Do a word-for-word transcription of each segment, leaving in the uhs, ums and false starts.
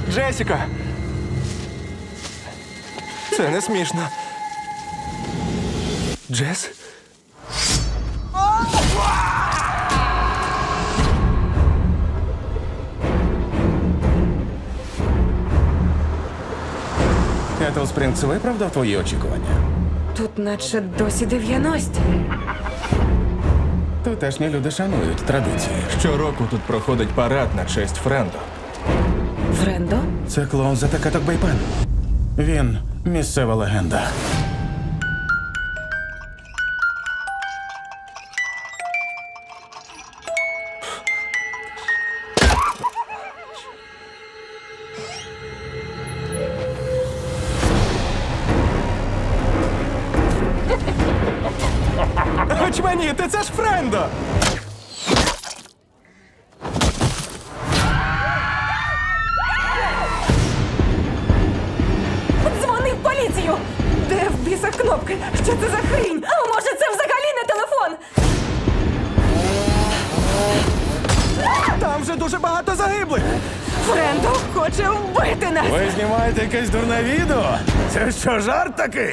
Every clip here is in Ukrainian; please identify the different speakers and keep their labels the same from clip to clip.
Speaker 1: Джесіка! Це не смішно. Джес?
Speaker 2: Кетл Спрінгс виправдав твої очікування?
Speaker 3: Тут наче досі дев'яності.
Speaker 2: Тутешні люди шанують традиції.
Speaker 1: Щороку тут проходить парад на честь Френдо.
Speaker 3: Френдо?
Speaker 2: Це клоун за Такаток Бейпен. Він місцева легенда.
Speaker 1: Очманіти, це ж Френдо!
Speaker 3: Дзвони в поліцію! Де в біса кнопки? Що це за хрінь? А може це взагалі не телефон?
Speaker 1: Там вже дуже багато загиблих!
Speaker 3: Френдо хоче вбити нас!
Speaker 2: Ви знімаєте якесь дурне відео? Це що, жарт такий?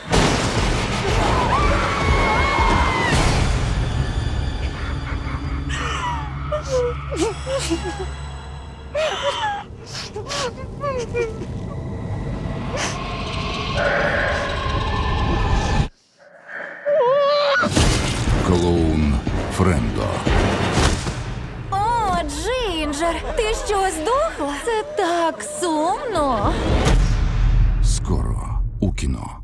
Speaker 4: Клоун Френдо.
Speaker 5: О, Джинджер, ти що, здохла? Це так сумно.
Speaker 4: Скоро у кіно.